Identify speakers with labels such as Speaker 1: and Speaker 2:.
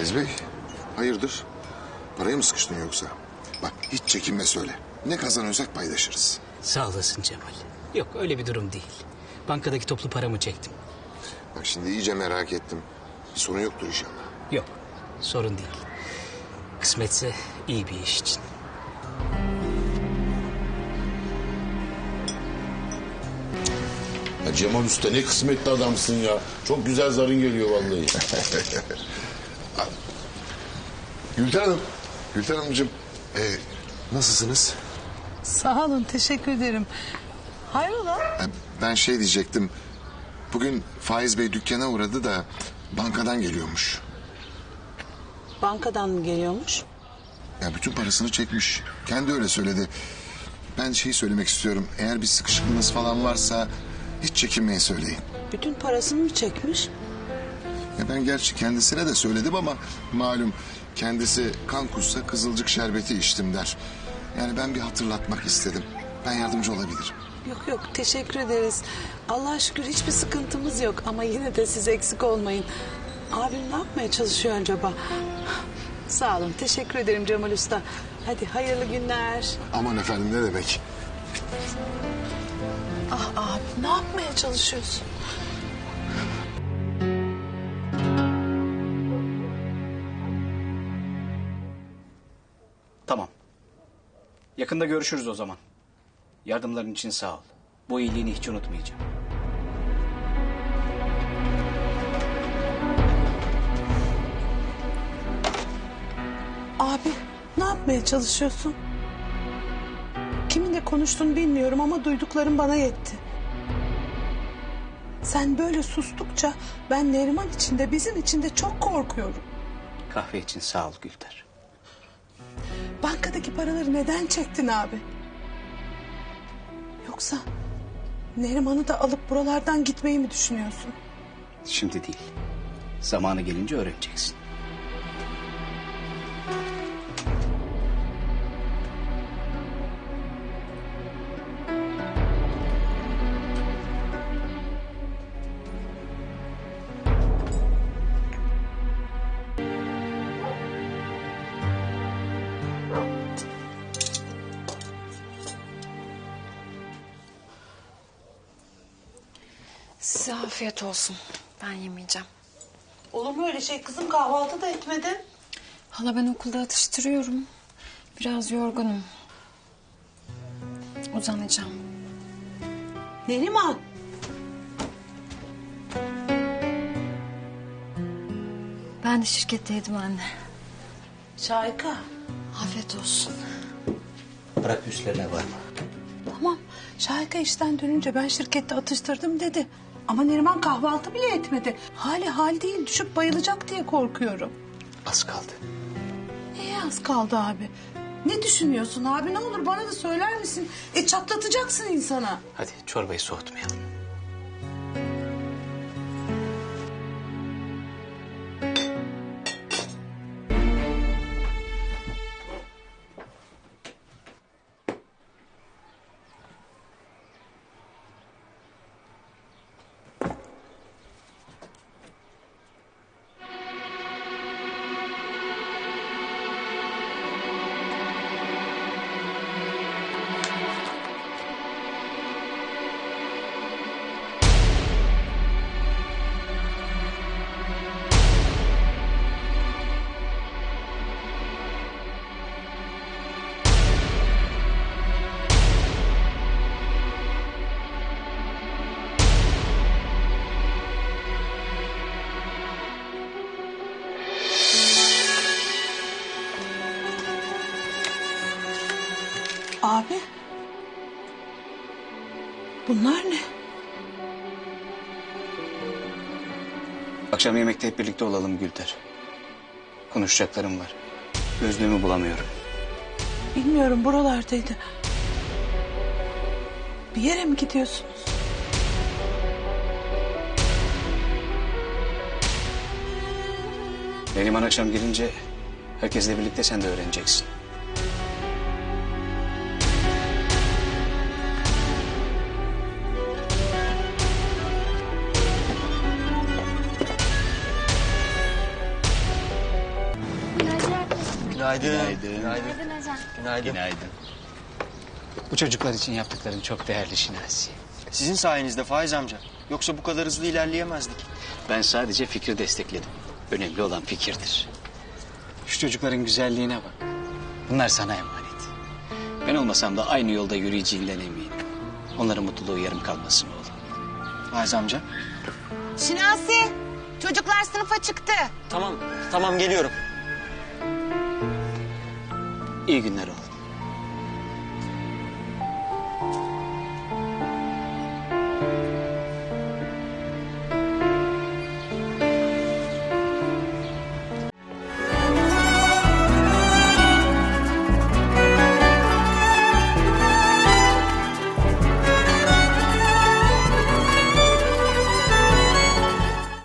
Speaker 1: Faiz Bey, hayırdır? Paraya mı sıkıştın yoksa? Bak hiç çekinme söyle. Ne kazanıyorsak paylaşırız.
Speaker 2: Sağ olasın Cemal. Yok öyle bir durum değil. Bankadaki toplu paramı çektim.
Speaker 1: Bak şimdi iyice merak ettim. Bir sorun yoktur inşallah.
Speaker 2: Yok sorun değil. Kısmetse iyi bir iş için.
Speaker 3: Ya Cemal Usta ne kısmetli adamsın ya. Çok güzel zarın geliyor vallahi.
Speaker 1: Gülten Hanım, Gülten Hanımcığım. Nasılsınız?
Speaker 4: Sağ olun, teşekkür ederim. Hayrola?
Speaker 1: Ben şey diyecektim. Bugün Faiz Bey dükkana uğradı da bankadan geliyormuş.
Speaker 4: Bankadan mı geliyormuş?
Speaker 1: Ya bütün parasını çekmiş. Kendi öyle söyledi. Ben şeyi söylemek istiyorum. Eğer bir sıkışıklığınız falan varsa hiç çekinmeyin söyleyin.
Speaker 4: Bütün parasını mı çekmiş?
Speaker 1: Ya ben gerçi kendisine de söyledim ama malum kendisi kan kussa kızılcık şerbeti içtim der. Yani ben bir hatırlatmak istedim. Ben yardımcı olabilirim.
Speaker 4: Yok yok, teşekkür ederiz. Allah'a şükür hiçbir sıkıntımız yok ama yine de siz eksik olmayın. Abim ne yapmaya çalışıyor acaba? Sağ olun, teşekkür ederim Cemal Usta. Hadi hayırlı günler.
Speaker 1: Aman efendim ne demek?
Speaker 4: Ah abi, ne yapmaya çalışıyorsun?
Speaker 2: Tamam. Yakında görüşürüz o zaman. Yardımların için sağ ol. Bu iyiliğini hiç unutmayacağım.
Speaker 4: Abi, ne yapmaya çalışıyorsun? Kiminle konuştuğunu bilmiyorum ama duyduklarım bana yetti. Sen böyle sustukça ben Neriman için de bizim için de çok korkuyorum.
Speaker 2: Kahve için sağ ol Gülter.
Speaker 4: Bankadaki paraları neden çektin abi? Yoksa Neriman'ı da alıp buralardan gitmeyi mi düşünüyorsun?
Speaker 2: Şimdi değil. Zamanı gelince öğreneceksin.
Speaker 5: Size afiyet olsun. Ben yemeyeceğim.
Speaker 4: Olur mu öyle şey kızım, kahvaltı da etmedin.
Speaker 5: Hala ben okulda atıştırıyorum. Biraz yorgunum. Uzanacağım.
Speaker 4: Neriman.
Speaker 5: Ben de şirketteydim anne.
Speaker 4: Şahika.
Speaker 5: Afiyet olsun.
Speaker 2: Bırak üstlerine var mı?
Speaker 4: Tamam, Şahika işten dönünce ben şirkette atıştırdım dedi. Ama Neriman kahvaltı bile etmedi. Hali hal değil, düşüp bayılacak diye korkuyorum.
Speaker 2: Az kaldı.
Speaker 4: Neye az kaldı abi? Ne düşünüyorsun abi? Ne olur bana da söyler misin? Çatlatacaksın insana.
Speaker 2: Hadi çorbayı soğutmayalım.
Speaker 4: Abi. Bunlar ne?
Speaker 2: Akşam yemekte hep birlikte olalım Gülter. Konuşacaklarım var. Gözlüğümü bulamıyorum.
Speaker 4: Bilmiyorum, buralardaydı. Bir yere mi gidiyorsunuz?
Speaker 2: Neriman akşam gelince herkesle birlikte sen de öğreneceksin.
Speaker 6: Günaydın.
Speaker 2: Günaydın.
Speaker 6: Günaydın.
Speaker 2: Günaydın. Bu çocuklar için yaptıkların çok değerli Şinasi.
Speaker 6: Sizin sayenizde Faiz amca. Yoksa bu kadar hızlı ilerleyemezdik.
Speaker 2: Ben sadece fikri destekledim. Önemli olan fikirdir. Şu çocukların güzelliğine bak. Bunlar sana emanet. Ben olmasam da aynı yolda yürüyeceğinden eminim. Onların mutluluğu yarım kalmasın oğlum.
Speaker 6: Faiz amca.
Speaker 7: Şinasi, çocuklar sınıfa çıktı.
Speaker 6: Tamam geliyorum.
Speaker 2: İyi günler oğlum.